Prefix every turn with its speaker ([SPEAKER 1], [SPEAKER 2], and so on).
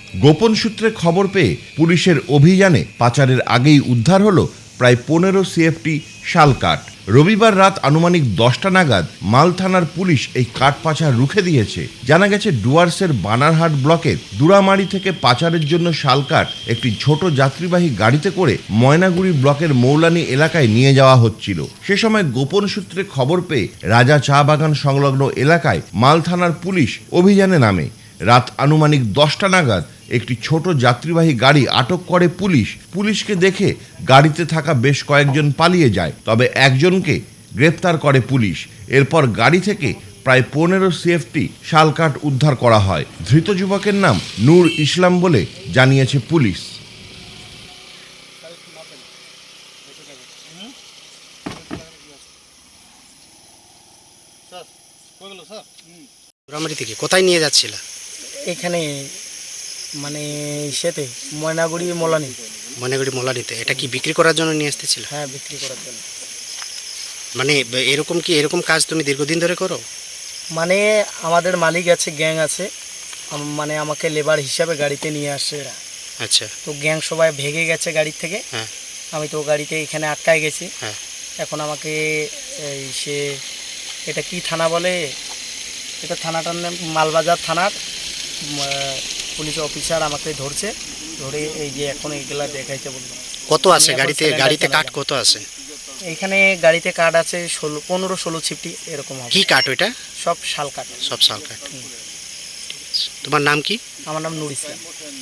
[SPEAKER 1] গোপন সূত্রে খবর পেয়ে পুলিশের অভিযানে পাচারের আগেই উদ্ধার হলো প্রায় 15 সিএফটি শাল কাঠ। রবিবার রাত আনুমানিক 10টা নাগাদ মাল থানার পুলিশ এই কাঠ পাচার রুখে দিয়েছে। জানা গেছে ডুয়ার্সের বানারহাট ব্লকের দুরামারি থেকে পাচারের জন্য শাল কাঠ একটি ছোট যাত্রীবাহী গাড়িতে করে ময়নাগুড়ি ব্লকের মৌলানি এলাকায় নিয়ে যাওয়া হচ্ছিল। সে সময় গোপন সূত্রে খবর পেয়ে রাজা চা বাগান সংলগ্ন এলাকায় মাল থানার পুলিশ অভিযানে নামে। রাত আনুমানিক 10টা নাগাদ একটি ছোট যাত্রীবাহী গাড়ি আটক করে পুলিশ। পুলিশকে দেখে গাড়িতে থাকা বেশ কয়েকজন পালিয়ে যায়, তবে একজনকে গ্রেপ্তার করে পুলিশ। এরপর গাড়ি থেকে প্রায় 15 সিএফটি শাল কাঠ উদ্ধার করা হয়। ধৃত যুবকের নাম নূর ইসলাম বলে জানিয়েছে পুলিশ।
[SPEAKER 2] দুরামারি থেকে কোথায় নিয়ে যাচ্ছিল?
[SPEAKER 3] এখানে মানে সেতে ময়নাগুড়ি মোলানি।
[SPEAKER 2] ময়নাগুড়ি মোলানিতে। এটা কি বিক্রি করার জন্য নিয়ে আসতেছিল?
[SPEAKER 3] হ্যাঁ, বিক্রি করার জন্য।
[SPEAKER 2] মানে এরকম কাজ তুমি দীর্ঘদিন ধরে করো?
[SPEAKER 3] মানে আমাদের মালিক আছে, গ্যাং আছে, মানে আমাকে লেবার হিসাবে গাড়িতে নিয়ে আসে এরা।
[SPEAKER 2] আচ্ছা।
[SPEAKER 3] তো গ্যাং সবাই ভেগে গেছে গাড়ির থেকে।
[SPEAKER 2] হ্যাঁ।
[SPEAKER 3] আমি তো গাড়িতে এখানে আটকায় গেছি।
[SPEAKER 2] হ্যাঁ।
[SPEAKER 3] এখন আমাকে এটা কি থানা বলে, এটা থানাটার নাম মালবাজার থানার পুলিশ অফিসার আমাকে ধরছে, ধরে এই যে এখন এইগুলা দেখাইতে বললো।
[SPEAKER 2] কত আছে গাড়িতে কাঠ কত আছে?
[SPEAKER 3] এইখানে গাড়িতে কাঠ আছে 15-16 ছিপটি এরকম হবে।
[SPEAKER 2] কি কাঠ ওইটা?
[SPEAKER 3] সব শাল কাঠ।
[SPEAKER 2] সব শাল কাঠ। তোমার নাম কি?
[SPEAKER 3] আমার নাম নূর ইসলাম।